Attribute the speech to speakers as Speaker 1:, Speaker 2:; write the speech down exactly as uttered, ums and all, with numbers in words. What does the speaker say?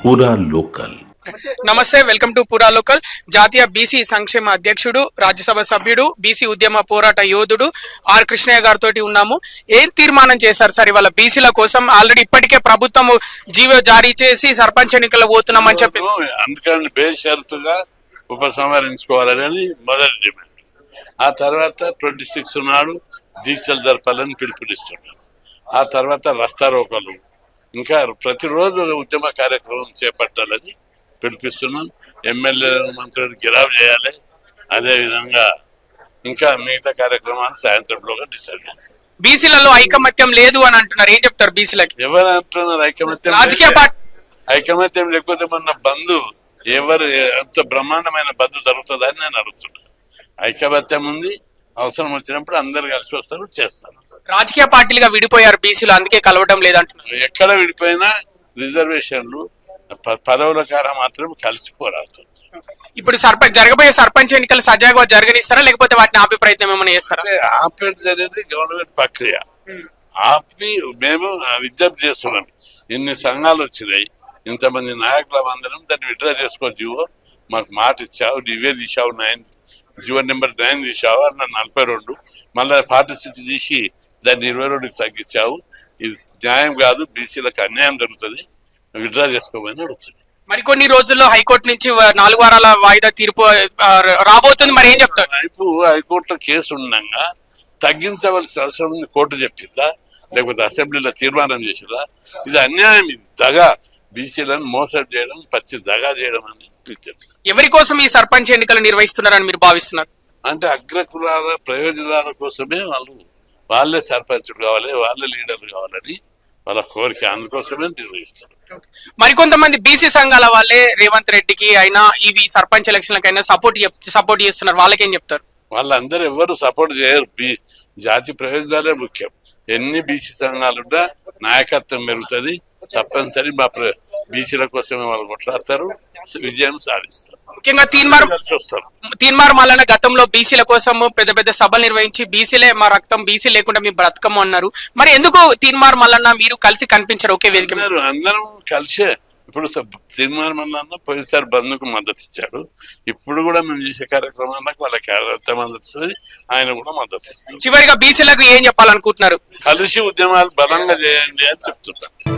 Speaker 1: పూరా లోకల్.
Speaker 2: నమస్తే, welcome to Pura local. జాతీయ బీసీ సంక్షేమ అధ్యక్షుడు, రాజ్యసభ సభ్యుడు, బీసీ ఉద్యమ పోరాట యోధుడు ఆర్ కృష్ణయ్య గారితో ఉన్నాము. ఏం తీర్మానం చేశారు సార్ ఇవాళ బీసీల కోసం? ఆల్రెడీ ఇప్పటికే ప్రభుత్వం జీవో జారీ చేసి సర్పంచ్ ఎన్నికలు పోతున్నామని చెప్పి
Speaker 3: అందుకని బేషరతుగా ఉపసంహరించుకోవాలని మొదటి డిమాండ్. ఆ తర్వాత ట్వంటీ సిక్స్ నాడు దీక్షలు జరపాలని పిలుపునిస్తున్నారు. ఆ తర్వాత రస్తా రోకలు, ఇంకా ప్రతిరోజు ఉద్యమ కార్యక్రమం చేపట్టాలని పిలిపిస్తున్నాం. ఎమ్మెల్యే మంత్రులు గిరావ్ చేయాలి. అదేవిధంగా ఇంకా మిగతా కార్యక్రమాలు సాయంత్రంలోగా డిసైడ్ చేస్తాం.
Speaker 2: బీసీలలో ఐకమత్యం లేదు అని అంటున్నారు, ఏం చెప్తారు బీసీలకి?
Speaker 3: ఎవరు అంటున్నారు ఐకమత్యం?
Speaker 2: రాజకీయ పార్టీ
Speaker 3: ఐకమత్యం లేకపోతే మన బంధు ఎవరు అంత బ్రహ్మాండమైన బంధు జరుగుతుందని నేను అడుగుతున్నాను. ఐకమత్యం ఉంది, అవసరం వచ్చినప్పుడు అందరు కలిసి వస్తారు, చేస్తారు.
Speaker 2: రాజకీయ పార్టీలుగా విడిపోయారు బీసీలు, అందుకే కలవడం లేదంటున్నారు.
Speaker 3: ఎక్కడ విడిపోయినా రిజర్వేషన్లు పదవుల కాడ మాత్రం కలిసి పోరాడుతుంది.
Speaker 2: ఇప్పుడు సర్పంచ్ జరగబోయే సర్పంచ్ ఎన్నికలు సజావుగా జరగనిస్తారా, లేకపోతే వాటిని ఆపే ప్రయత్నం ఏమైనా చేస్తారా?
Speaker 3: ఆపేది అనేది గవర్నమెంట్ ప్రక్రియ. ఆపి మేము విజ్ఞప్తి చేస్తున్నాం. ఇన్ని సంఘాలు వచ్చినాయి, ఇంతమంది నాయకుల అందరం దాన్ని విడ్రా చేసుకో జీవో మాకు మాట ఇచ్చావు, ఇవే తీసావు, నైన్ జీవో నెంబర్ నైన్ తీసావు అన్న నలభై రెండు మళ్ళీ ఫార్టీ సిక్స్ తీసి దాన్ని ఇరవై రెండుకి తగ్గించావు. ఇది న్యాయం కాదు, బీసీలకు అన్యాయం జరుగుతుంది, విడ్రా చేసుకోమని అడుగుతుంది.
Speaker 2: మరికొన్ని రోజుల్లో హైకోర్టు నుంచి నాలుగు వారాల వాయిదా తీర్పు రాబోతుంది, మరి ఏం చెప్తారు?
Speaker 3: వైపు హైకోర్టులో కేసు ఉండగా తగ్గించవలసిన అవసరం ఉంది కోర్టు చెప్పిందా, లేకపోతే అసెంబ్లీలో తీర్మానం చేసిరా? ఇది అన్యాయం, ఇది దగా, బీసీలను మోసం చేయడం, పచ్చి దగా చేయడం అని.
Speaker 2: ఎవరి కోసం ఈ సర్పంచ్ ఎన్నికలు నిర్వహిస్తున్నారని మీరు భావిస్తున్నారు?
Speaker 3: అంటే అగ్రకులాల ప్రయోజనాల కోసమే వాళ్ళు వాళ్ళే సర్పంచులు కావాలి, వాళ్ళే లీడర్లు కావాలని వాళ్ళ కోరిక, అందుకోసమే నిర్వహిస్తారు.
Speaker 2: మరికొంతమంది బీసీ సంఘాల వాళ్ళే రేవంత్ రెడ్డికి అయినా ఇవి సర్పంచ్ ఎలక్షన్లకైనా సపోర్ట్ సపోర్ట్ చేస్తున్నారు, వాళ్ళకేం చెప్తారు?
Speaker 3: వాళ్ళందరూ ఎవరు సపోర్ట్ చేయరు. బీ జాతి ప్రయోజనాలే ముఖ్యం. ఎన్ని బీసీ సంఘాలున్నా నాయకత్వం పెరుగుతుంది. తప్పనిసరి మా బీసీల కోసమే వాళ్ళు కొట్లాడతారు, విజయం సాధిస్తారు.
Speaker 2: ముఖ్యంగా తీన్మార్ తీన్మార్ మల్లన్న గతంలో బీసీల కోసం పెద్ద పెద్ద సభలు నిర్వహించి బీసీలే మా రక్తం, బీసీ లేకుండా మీ బ్రతకము అన్నారు. మరి ఎందుకు తీన్మార్ మల్లన్న మీరు కలిసి కనిపించారు ఒకే వేదిక?
Speaker 3: అందరం కలిసే. ఇప్పుడు తీన్మార్ మల్లన్న పోయినసారి బంధుకు మద్దతు ఇచ్చాడు. ఇప్పుడు కూడా మేము చేసే కార్యక్రమాలకు వాళ్ళకి ఎంత మద్దతు ఇస్తుంది, ఆయన కూడా మద్దతు ఇస్తారు.
Speaker 2: చివరిగా బీసీలకు ఏం చెప్పాలనుకుంటున్నారు?
Speaker 3: కలిసి ఉద్యమాలు బలంగా చేయండి అని చెప్తున్నారు.